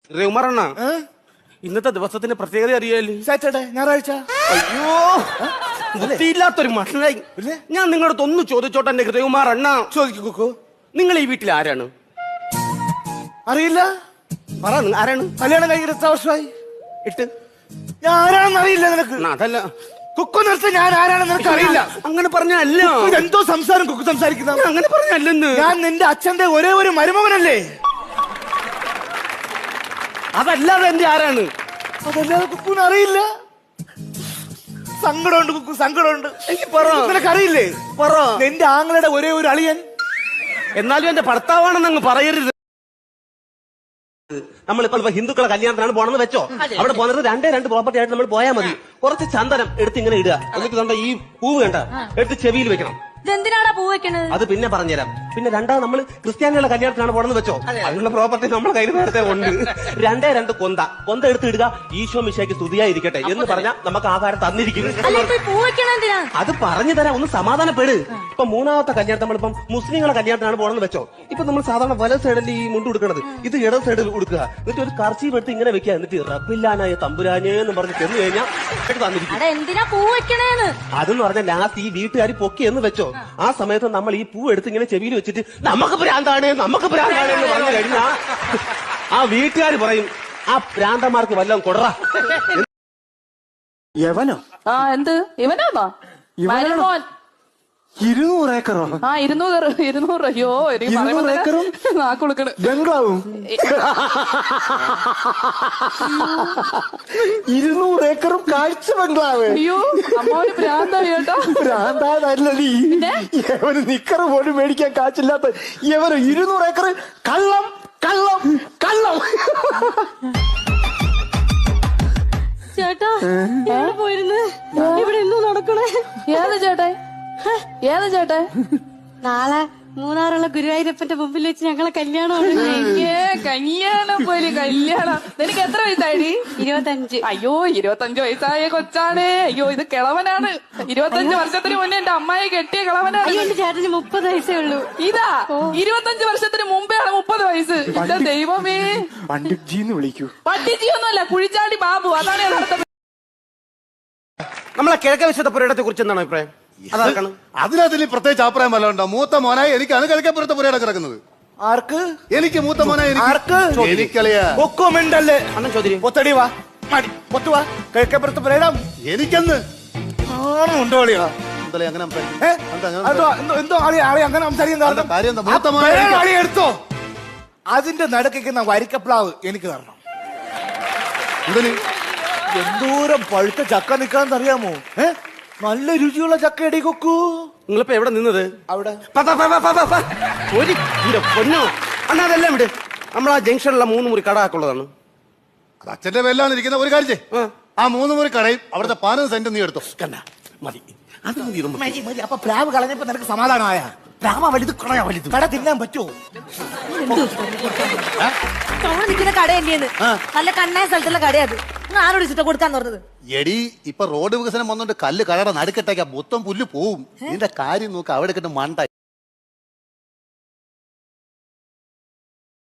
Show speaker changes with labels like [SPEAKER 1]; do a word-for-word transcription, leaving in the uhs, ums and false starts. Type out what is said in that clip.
[SPEAKER 1] രഘുമാറണ്ണ, ഇന്നത്തെ ദിവസത്തിന്റെ പ്രത്യേകത അറിയാല്?
[SPEAKER 2] സാറ്റർഡേ, ഞായറാഴ്ച.
[SPEAKER 1] അയ്യോ, ബുദ്ധിയില്ലാത്തൊരു മഷനായി. ഞാൻ നിങ്ങളടുത്ത് ഒന്ന് ചോദിച്ചോട്ടെ എന്റെ രഘുമാറണ്ണ.
[SPEAKER 2] ചോദിക്കൂ കുക്കു.
[SPEAKER 1] നിങ്ങൾ ഈ വീട്ടിൽ ആരാണ്?
[SPEAKER 2] അറിയില്ല.
[SPEAKER 1] പറ, ആരാണ്?
[SPEAKER 2] കല്യാണം കഴിഞ്ഞിട്ട് എത്ര വർഷമായി?
[SPEAKER 1] എട്ട്.
[SPEAKER 2] ഞാൻ ആരാണെന്ന് അറിയില്ല നിനക്ക്?
[SPEAKER 1] അതല്ല
[SPEAKER 2] കുക്കു നിർത്തി. ഞാൻ ആരാണെന്ന് നിനക്ക് അറിയില്ല.
[SPEAKER 1] അങ്ങനെ പറഞ്ഞല്ല.
[SPEAKER 2] എന്തോ സംസാരം കുക്കു സംസാരിക്കുന്ന.
[SPEAKER 1] അങ്ങനെ പറഞ്ഞല്ലെന്ന്.
[SPEAKER 2] ഞാൻ നിന്റെ അച്ഛന്റെ ഒരേ ഒരു മരുമകനല്ലേ?
[SPEAKER 1] അതല്ലാതെ എന്റെ ആരാണ്?
[SPEAKER 2] അതല്ലാതെ കുക്കുവിന് അറിയില്ല. സങ്കടമുണ്ട് കുക്കു, സങ്കടമുണ്ട്.
[SPEAKER 1] എനിക്ക് പറ.
[SPEAKER 2] നിനക്കറിയില്ലേ?
[SPEAKER 1] പറ.
[SPEAKER 2] നിന്റെ ആങ്ങളുടെ ഒരേ ഒരു അളിയൻ.
[SPEAKER 1] എന്നാലും എന്റെ ഭർത്താവാണെന്ന് അങ്ങ് പറയരുത്. നമ്മളിപ്പോ ഇപ്പൊ ഹിന്ദുക്കളെ കല്യാണത്തിനാണ് പോണെന്ന് വെച്ചോ, അവിടെ പോകുന്നത് രണ്ടേ രണ്ട് പ്രോപ്പർട്ടി ആയിട്ട് നമ്മൾ പോയാൽ മതി. കുറച്ച് ചന്ദനം എടുത്ത് ഇങ്ങനെ ഇടുക, എന്നിട്ട് കണ്ട ഈ പൂവ് കണ്ട എടുത്ത് ചെവിയിൽ വെക്കണം.
[SPEAKER 3] ഇതെന്തിനാടാ പൂ വെക്കണത്?
[SPEAKER 1] അത് പിന്നെ പറഞ്ഞുതരാം. പിന്നെ രണ്ടാമത് നമ്മൾ ക്രിസ്ത്യാനികളുടെ കല്യാണത്തിനാണ് പോണെന്ന് വെച്ചോ, അതിനുള്ള പ്രോപ്പർട്ടി നമ്മുടെ കയ്യിൽ നേരത്തെ ഉണ്ട്. രണ്ടേ രണ്ട് കൊന്ത കൊന്ത എടുത്ത് ഇടുക. ഈശോ മിശിഹായ്ക്ക് സ്തുതിയായിരിക്കട്ടെ എന്ന് പറഞ്ഞാൽ നമുക്ക് ആഹാരം തന്നിരിക്കുന്നു.
[SPEAKER 3] പൂ വെക്കണ എന്തിനാ?
[SPEAKER 1] അത് പറഞ്ഞു തരാം, ഒന്ന് സമാധാനപ്പെട്. ഇപ്പൊ മൂന്നാമത്തെ കല്യാണത്തിൽ നമ്മളിപ്പം മുസ്ലിങ്ങളെ കല്യാണത്തിനാണ് പോണെന്ന് വെച്ചോ, ഇപ്പൊ നമ്മൾ സാധാരണ വല സൈഡിൽ ഈ മുണ്ട് കൊടുക്കണത്, ഇത് ഇട സൈഡിൽ കൊടുക്കുക. എന്നിട്ട് ഒരു കർച്ചീഫ് എടുത്ത് ഇങ്ങനെ വെക്കുക. എന്നിട്ട് റബ്ബില്ലാനായ തമ്പുരാനേ എന്ന് പറഞ്ഞ് ചെന്ന് കഴിഞ്ഞാൽ തന്നിരിക്കും.
[SPEAKER 3] എന്തിനാ പൂ വെക്കണേന്ന്?
[SPEAKER 1] അതെന്ന് പറഞ്ഞാൽ ലാസ്റ്റ് ഈ വീട്ടുകാർ പൊക്കി എന്ന് വെച്ചോ, ആ സമയത്ത് നമ്മൾ ഈ പൂ എടുത്ത് ഇങ്ങനെ ചെവിയിൽ വെച്ചിട്ട് നമുക്ക് ഭ്രാന്താണ് നമുക്ക് ഭ്രാന്താണ് എന്ന് പറഞ്ഞു കഴിഞ്ഞാ ആ വീട്ടുകാർ പറയും ആ ഭ്രാന്തന്മാർക്ക് വല്ലതും കൊടറ.
[SPEAKER 4] യവനോ?
[SPEAKER 5] ആ എന്ത് ഇവനാണോ? മരുമോൻ.
[SPEAKER 4] ഇരുന്നൂറ് ഏക്കറോ?
[SPEAKER 5] ആ ഇരുന്നൂറ് ഇരുന്നൂറ് അയ്യോ
[SPEAKER 4] ഇരുന്നൂറ് ഏക്കറും
[SPEAKER 5] നാക്കുളുക്കണ്
[SPEAKER 4] ബംഗ്ലാവും. ഇരുന്നൂറ് ഏക്കറും കാഴ്ച ബംഗ്ലാവ്.
[SPEAKER 5] അയ്യോ അമ്മോന് ഭ്രാന്തായി കേട്ടോ.
[SPEAKER 4] ഭ്രാന്താതല്ലീ, യവന് നിക്കറ് പോലും മേടിക്കാൻ കാച്ചില്ലാത്ത യവന് ഇരുന്നൂറ് ഏക്കർ കള്ളം കള്ളം കള്ളം.
[SPEAKER 3] ചേട്ടാ എവിടെ പോയിരുന്നു? ഇവിടെ എന്തോ നടക്കണേ?
[SPEAKER 5] ഏത് ചേട്ടൻ? ഏത് ചേട്ടൻ?
[SPEAKER 3] നാളെ മൂന്നാറുള്ള ഗുരുവായൂരപ്പന്റെ മുമ്പിൽ വെച്ച് ഞങ്ങളെ കല്യാണം.
[SPEAKER 5] കല്യാണം പോലെ കല്യാണം. നിനക്ക് എത്ര വയസ്സായി?
[SPEAKER 3] ഇരുപത്തഞ്ച്.
[SPEAKER 5] അയ്യോ ഇരുപത്തഞ്ച് വയസ്സായ കൊച്ചാണ്. അയ്യോ ഇത് കിളവനാണ്. ഇരുപത്തഞ്ച് വർഷത്തിന് മുന്നേ എന്റെ അമ്മായി കെട്ടിയ കിളവനാണ്.
[SPEAKER 3] അയ്യോ എന്റെ ചേട്ടന് മുപ്പത് വയസ്സേ ഉള്ളൂ.
[SPEAKER 5] ഇതാ ഇരുപത്തഞ്ച് വർഷത്തിന് മുമ്പെയാണ് മുപ്പത് വയസ്സ്. എന്റെ ദൈവമേ.
[SPEAKER 4] പണ്ഡിറ്റ്ജിന്ന് വിളിക്കൂ.
[SPEAKER 5] പട്ടിച്ചിയൊന്നുമല്ല, കുഴിച്ചാടി ബാബു. അതാണ് യഥാർത്ഥ.
[SPEAKER 1] നമ്മളെ കിഴക്കേ വശത്തെ പുരയിടത്തെ കുറിച്ച് എന്താണ് അഭിപ്രായം? അതാക്കണം.
[SPEAKER 6] അതിനകത്തിൽ പ്രത്യേകിച്ച് അഭിപ്രായം വല്ല ഉണ്ടോ? മൂത്ത മോനായി എനിക്കാണ് കിഴക്കേപ്പുറത്തെ പുരയിടം കിടക്കുന്നത്.
[SPEAKER 2] ആർക്ക്?
[SPEAKER 6] എനിക്ക് മൂത്ത മോനായി
[SPEAKER 2] ആർക്ക്?
[SPEAKER 6] എനിക്കളിയാ.
[SPEAKER 2] കൊക്കോ മിണ്ടല്ലേ.
[SPEAKER 1] അണ്ണൻ ചോദ്യം.
[SPEAKER 2] പൊത്തടി വാ, മടി പൊത്തു വാ. കിഴക്കേപ്പുറത്ത് പറയണം.
[SPEAKER 6] എനിക്കെന്ന്
[SPEAKER 2] ആണോ ഉണ്ടോ അളിയാ?
[SPEAKER 6] എന്തല്ലേ അങ്ങനെ സംസാരിക്കും?
[SPEAKER 2] ഏ?
[SPEAKER 6] എന്താ അങ്ങനെ
[SPEAKER 2] അതോ, എന്തോ എന്തോ ആളി ആളി അങ്ങനെ സംസാരിക്കാൻ കാരണം
[SPEAKER 6] എന്താ കാര്യം എന്താ?
[SPEAKER 2] ആ
[SPEAKER 6] മൂത്ത മോനായി
[SPEAKER 2] പേര് ആളി എടുത്തോ. അതിന്റെ നടുക്കുന്ന വരിക്കപ്ലാവ് എനിക്ക് തരണം.
[SPEAKER 6] എന്തിന്?
[SPEAKER 2] എന്തോരം പഴുത്ത ചക്ക നിക്കാന്ന് അറിയാമോ? ഏ, നല്ല രുചിയുള്ള ചക്ക എടി കൊക്കു.
[SPEAKER 1] നിങ്ങളിപ്പോ എവിടെ നിന്നത്?
[SPEAKER 2] അവിടെ
[SPEAKER 1] പ, പ, പ, പ, പ, പ. ഒരു ഇന്റെ പൊന്നോ അണ്ണാ, അതെല്ലാം വിട്. നമ്മൾ ആ ജംഗ്ഷനിലുള്ള മൂന്ന് മുറി കടാക്കുള്ളതാണ്.
[SPEAKER 6] അത് അച്ഛന്റെ പേരിലാണ് ഇരിക്കുന്ന. ഒരു കാര്യം ചെയ്യ്, ആ മൂന്ന് മുറി കടയും അവിടുത്തെ പതിനൊന്ന് സെന്റ് നീ എടുത്തോ.
[SPEAKER 2] കണ്ട മതി, അത് മതി, ഇത് മതി മതി. അപ്പൊ പ്ലാവ് കളഞ്ഞപ്പോ നിനക്ക് സമാധാനമായ? പ്ലാവ വലുത് കടയാ വലുത്. കട തിന്നാൻ പറ്റുമോ?
[SPEAKER 3] അവിടെ നിൽക്കുന്ന കടയല്ലേന്ന്. നല്ല കണ്ണായ സ്ഥലത്തുള്ള കടയത്. ആരോട് ചുറ്റ കൊടുക്കാന്ന് പറഞ്ഞത്?
[SPEAKER 6] എടി ഇപ്പൊ റോഡ് വികസനം വന്നോണ്ട് കല്ല് കടയുടെ നടുക്കെട്ടേക്കാ മൊത്തം പുല്ല് പോവും. ഇതിന്റെ കാര്യം നോക്ക്, അവിടെ കിട്ടും മണ്ട.